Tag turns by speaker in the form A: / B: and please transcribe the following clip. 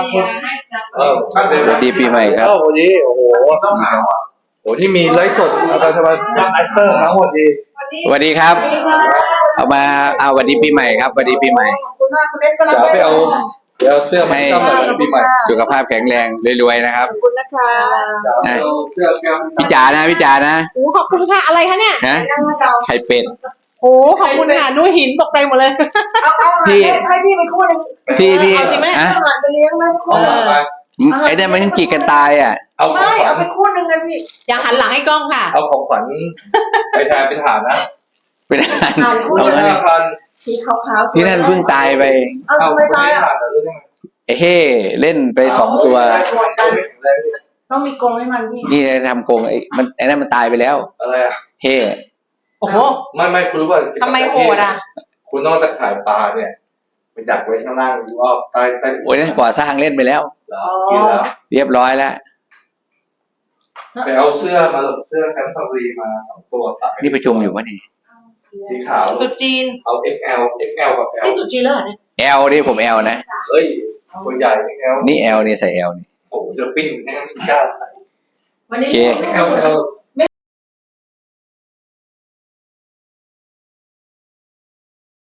A: ดีปีใหม่ครับ
B: วันนี้โอ้โหต้องหนาวอ่ะโอ้นี่มีไลฟ์สดอะไรทำไมดังไอเตอร์ทั้งหมดดี
A: สวัสดีครับเอามาเอาสวัสดีปีใหม่ครับสวัสดีปีใหม่
B: เดี๋ยวไปเอาเสื้อมาให้จำหน่อยวันปีใหม่
A: สุขภาพแข็งแรงรวยๆนะครับ
C: ขอบคุณนะคะ
B: เสื้อแก้ว
A: พี่จ๋านะพี่จ๋านะ
C: โอ้ขอบคุณค่ะอะไรคะเนี่ย
A: ฮะไข่เป็ด
C: โอ้ขอบคุณค่ะนุ่ยหินตกใจหมดเลย
A: ที่
C: ให้พี่ไปคู่นึง
A: ที่พี่
C: เอาจริงไหม
A: ฮะ
C: เอาหลานไปเลี้ยงไหม
B: เอาหลังมา
A: ไอ้เนี่ยมันยังจีกันตายอ่ะ
B: เอาของ
C: ไม่
B: ขวั
C: เอา
B: ญ
C: ไปคู่นึงนะพี่อย่าหันหลังให้กล้องค่ะ
B: เอาของขวัญไปแทนเป็นฐานนะ
A: เป็นอะไร
B: เอา5,000
C: สีขาวๆ
A: ที่นั่นเพิ่งตายไป
C: เอา
B: เอา
C: ทำ
B: ไป
C: ไมตายอ่ะ
B: ฐานหรือยังไง
A: ไอ้เฮ่เล่นไป2 ตัว
C: ต้องมีกรงให้มันพี่
A: นี่ทำโกงไอ้นั่นมันตายไปแล้ว
B: อะไรอ่ะ
A: เฮ่
C: โอ้โห
B: ไม่คุณรู้ป่ะ
C: ทำไมโหดอ่ะ
B: คุณต้องตะข่ายปลาเนี่ยไปดักไว้ข้างล่างหรือว่าใต้
A: โอ้ยนั่นก่อสร้างเล่นไปแล้ว
B: กินแล้ว
A: เรียบร้อยแล้ว
B: ไปเอาเสื้อมาเสื้อแคมป์ซารีมา2 ตัวใส่
A: นี่ประชุมอยู่วะนี่
B: สีขาว
C: ตุ๊จีน
B: เอา XL กับ L
C: นี่ตุ๊จีนแล้วเหรอเนี่ย
A: แอลนี่ผมแอลนะ
B: เฮ้ยตัวใหญ่ XL
A: นี่แอลนี่ใส่แอลนี่
B: โอ้โหจะปิ้งแน่นกล้าใส่
C: วันนี้
A: โอเค
B: XL